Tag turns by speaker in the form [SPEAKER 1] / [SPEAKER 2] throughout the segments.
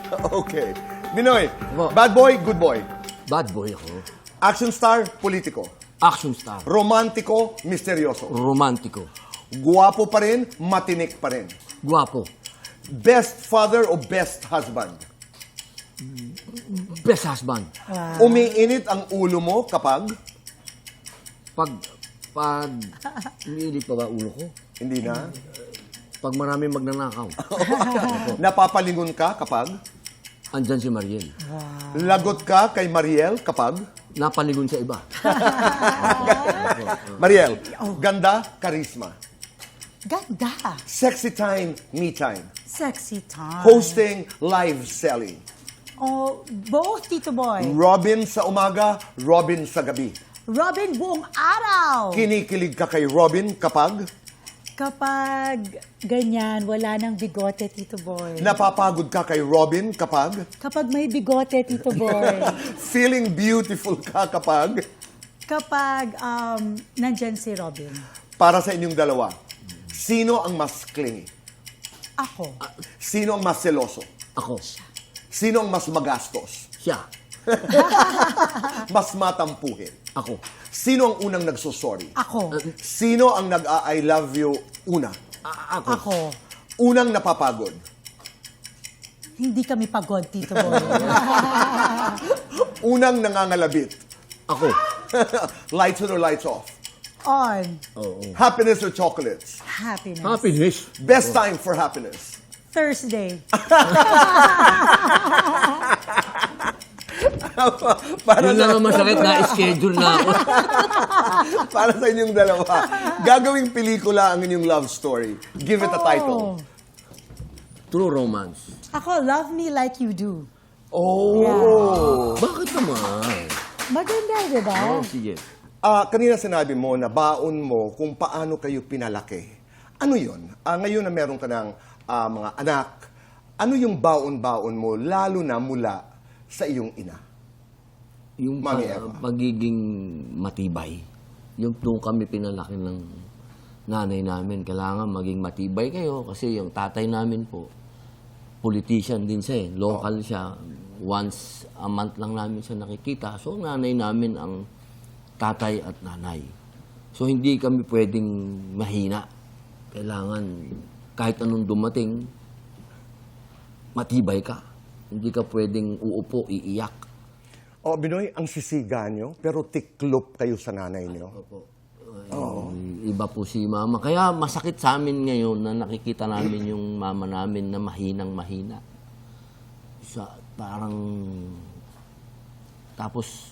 [SPEAKER 1] Okay. Binoy,
[SPEAKER 2] Opo.
[SPEAKER 1] bad boy, good boy.
[SPEAKER 2] Bad boy ako.
[SPEAKER 1] Action star, politiko.
[SPEAKER 2] Action star.
[SPEAKER 1] Romantiko, misteryoso.
[SPEAKER 2] Romantiko.
[SPEAKER 1] Guwapo pa rin, matinik pa rin.
[SPEAKER 2] Guwapo.
[SPEAKER 1] Best father o best husband?
[SPEAKER 2] Best husband.
[SPEAKER 1] Umiinit ang ulo mo kapag
[SPEAKER 2] Pag umiinit pa ba ulo ko?
[SPEAKER 1] hindi na.
[SPEAKER 2] Pag marami magnanakaw.
[SPEAKER 1] Napapalingon ka kapag
[SPEAKER 2] Andyan si Mariel.
[SPEAKER 1] lagot ka kay Mariel kapag
[SPEAKER 2] Napaligon sa iba.
[SPEAKER 1] Mariel, ganda, karisma.
[SPEAKER 3] Ganda.
[SPEAKER 1] Sexy time, me time.
[SPEAKER 3] Sexy time.
[SPEAKER 1] Hosting, live selling.
[SPEAKER 3] Oh, both, Tito Boy.
[SPEAKER 1] Robin sa umaga, Robin sa gabi.
[SPEAKER 3] Robin buong araw.
[SPEAKER 1] Kinikilig ka kay Robin kapag
[SPEAKER 3] Kapag ganyan, wala nang bigote, Tito Boy.
[SPEAKER 1] napapagod ka kay Robin kapag
[SPEAKER 3] Kapag may bigote, Tito Boy.
[SPEAKER 1] feeling beautiful ka kapag
[SPEAKER 3] Kapag nandyan si Robin.
[SPEAKER 1] para sa inyong dalawa. Sino ang mas clingy?
[SPEAKER 3] Ako.
[SPEAKER 1] Sino ang mas seloso?
[SPEAKER 2] Ako.
[SPEAKER 1] Sino ang mas magastos?
[SPEAKER 2] Siya.
[SPEAKER 1] Mas matampuhin?
[SPEAKER 2] Ako.
[SPEAKER 1] Sino ang unang nagsosorry?
[SPEAKER 3] Ako.
[SPEAKER 1] Sino ang nag-I love you una?
[SPEAKER 2] Ako.
[SPEAKER 3] Ako.
[SPEAKER 1] Unang napapagod?
[SPEAKER 3] Hindi kami pagod, Tito Boy.
[SPEAKER 1] Unang nangangalabit?
[SPEAKER 2] Ako.
[SPEAKER 1] Lights on or lights off?
[SPEAKER 3] On.
[SPEAKER 2] Oo.
[SPEAKER 1] Happiness or chocolates?
[SPEAKER 3] Happiness.
[SPEAKER 2] Happiness.
[SPEAKER 1] Best time for happiness?
[SPEAKER 3] Thursday.
[SPEAKER 1] Para
[SPEAKER 2] Yun lang ang masakit na schedule na ako.
[SPEAKER 1] Para sa inyong dalawa. Gagawing pelikula ang inyong love story. Give it a title.
[SPEAKER 2] True romance.
[SPEAKER 3] Ako, love me like you do.
[SPEAKER 1] Oh.
[SPEAKER 2] Bakit naman?
[SPEAKER 3] Maganda, di ba?
[SPEAKER 2] Oh, sige.
[SPEAKER 1] Kanina sinabi mo na baon mo kung paano kayo pinalaki. Ano yun? Ngayon na meron ka ng mga anak, ano yung baon-baon mo lalo na mula sa iyong ina?
[SPEAKER 2] Yung
[SPEAKER 1] Mami Eva.
[SPEAKER 2] pagiging matibay. Yung doon kami pinalaki ng nanay namin. Kailangan maging matibay kayo kasi yung tatay namin po, politician din siya eh. Local siya. Once a month lang namin siya nakikita. So, nanay namin ang tatay at nanay. So, hindi kami pwedeng mahina. Kailangan, kahit anong dumating, matibay ka. Hindi ka pwedeng uupo, iiyak.
[SPEAKER 1] Binoy, ang sisiga nyo, pero tiklop kayo sa nanay nyo.
[SPEAKER 2] Iba po si mama. Kaya masakit sa amin ngayon na nakikita namin yung mama namin na mahinang-mahina. Parang... Tapos,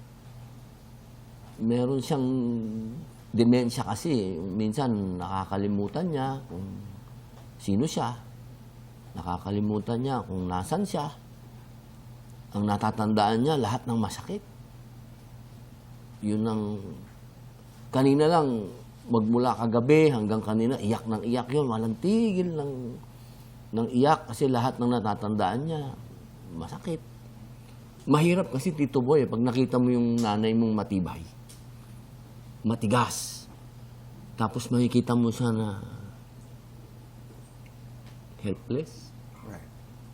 [SPEAKER 2] meron siyang demensya kasi. Minsan, nakakalimutan niya kung sino siya. Nakakalimutan niya kung nasan siya. Ang natatandaan niya, lahat ng masakit. Yun ang... Kanina lang, magmula kagabi hanggang kanina, iyak ng iyak yun. Walang tigil ng iyak kasi lahat ng natatandaan niya, masakit. Mahirap kasi, Tito Boy, pag nakita mo yung nanay mong matibay, matigas. Tapos makikita mo siya na helpless,
[SPEAKER 1] Right.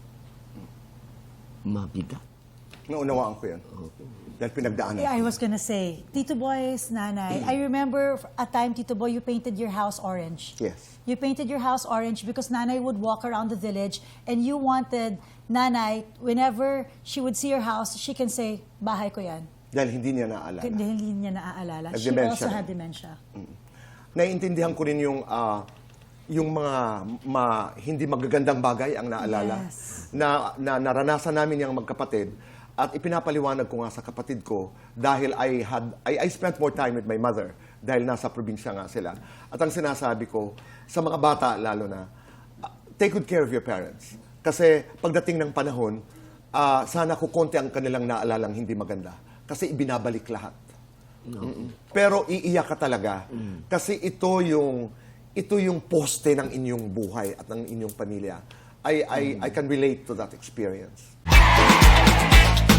[SPEAKER 2] mabigat.
[SPEAKER 1] Naunawaan ko yan. Dahil pinagdaanan.
[SPEAKER 3] Yeah, I was gonna say, Tito Boy's nanay, I remember a time, Tito Boy, you painted your house orange.
[SPEAKER 1] Yes.
[SPEAKER 3] You painted your house orange because nanay would walk around the village and you wanted nanay, whenever she would see your house, she can say, bahay ko yan.
[SPEAKER 1] Dahil hindi niya naaalala.
[SPEAKER 3] Dahil hindi niya naaalala. She
[SPEAKER 1] Nag-dementia
[SPEAKER 3] also
[SPEAKER 1] rin.
[SPEAKER 3] had dementia.
[SPEAKER 1] Naiintindihan ko rin yung mga hindi magagandang bagay ang naalala.
[SPEAKER 3] Yes.
[SPEAKER 1] Na naranasan namin yung magkapatid. At ipinapaliwanag ko nga sa kapatid ko dahil I spent more time with my mother dahil nasa probinsya nga sila. At ang sinasabi ko sa mga bata lalo na, take good care of your parents. Kasi pagdating ng panahon, sana kukonti ang kanilang naalalang hindi maganda. Kasi ibinabalik lahat. Pero iiyak ka talaga. Kasi ito yung poste ng inyong buhay at ng inyong pamilya. I can relate to that experience.